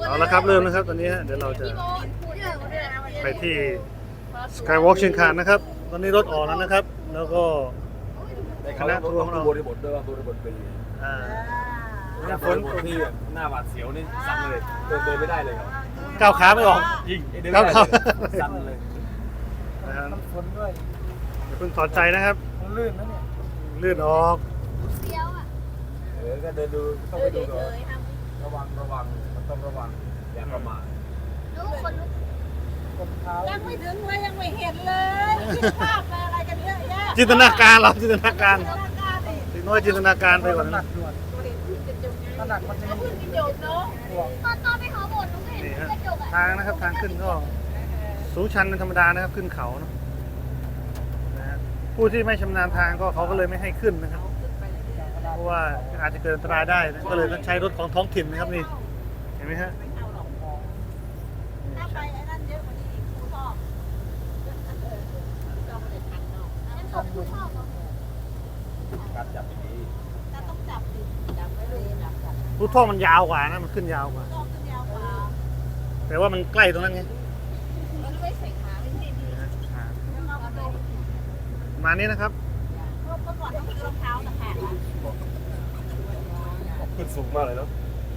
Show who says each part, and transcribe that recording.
Speaker 1: เอาละครับเริ่มนะครับตอนนี้เดี๋ยวเราจะไปที่สกายวอล์กเชียงคานนะครับตอนนี้รถออกแล้วนะครับแล้วก็คณะทัวร์ของเรา
Speaker 2: บริบทด้วยว่าบริบทเป็นยังไง
Speaker 1: เนี่ย
Speaker 2: ฝ
Speaker 1: ฝ
Speaker 2: น
Speaker 1: น
Speaker 2: ที่แบบหน้าหวาดเสียวนี่สั่นเลยเดินไม่ได้เลยครับ
Speaker 1: ก้าวขาไม่ออก
Speaker 2: จริงเดินไม่ได้เลยสั่นเลย
Speaker 1: นะครับ
Speaker 3: ฝนด้วย
Speaker 1: อย่าเพิ่งถอดใจนะครับ
Speaker 3: มันลื่นนะเนี่ย
Speaker 1: ลื่นออก
Speaker 2: ก็เดินดูต้องไปดูก่อนระวังมันต้องระวังอย่าประมาท
Speaker 3: กดเท้า
Speaker 4: ยังไม่ถึงเลยยังไม่เห็นเลยคิดภาพอะไรกันเยอะแยะ
Speaker 1: จินตนาการเราจินตนาการ
Speaker 4: จินตนาการดิ
Speaker 1: ถึงน้อยจินตนาการไปก่อน
Speaker 3: หนั
Speaker 1: นะ
Speaker 3: กด่วน
Speaker 4: ตัวเห็นขึ้นกระจกไง
Speaker 3: ถ้าหนักมันจะ
Speaker 4: แล้วขึ้นกระจกเนาะ
Speaker 3: ห่วง
Speaker 5: ตอนไปเขาบ่นหนูเห็น
Speaker 1: นี่ฮะ
Speaker 5: กระจกอะ
Speaker 1: ทางนะครับทางขึ้นก็สูงชันเป็นธรรมดานะครับขึ้นเขาเนาะนะฮะผู้ที่ไม่ชำนาญทางก็เขาก็เลยไม่ให้ขึ้นนะครับเพราะว่าอาจจะเกิดอันตรายได้นะก็เลยต้องใช้รถของท้องถิ่นนะครับนี่เห็นไหมฮะ
Speaker 4: ไม่เอาหรอกถ้าไปไอ้นั่นเยอะกว่านี้อีกครูชอบเราไม่ได้ทันเนาะ
Speaker 5: งั้นผมคือชอบเหรอ
Speaker 2: การจับดี
Speaker 4: แต่ต้องจับดิจับไว้เลยจับ
Speaker 1: รูท่อมันยาวกว่านะมันขึ้นยาวกว่า
Speaker 4: ต้องขึ้นยาวกว่า
Speaker 1: แต่ว่ามันใกล้ตรงนั้นไง
Speaker 4: มันไม่ใส่ขาไม่ใช่ดี
Speaker 1: นี่ฮะอ่า
Speaker 4: แล้วเราก็เลย
Speaker 1: ประมาณนี้นะครับ
Speaker 4: เพราะเมื่อก่อนต้องซื้อรองเท้าแต่แขนละ
Speaker 2: ขึ้นสูงมากเลยเนาะ
Speaker 4: เ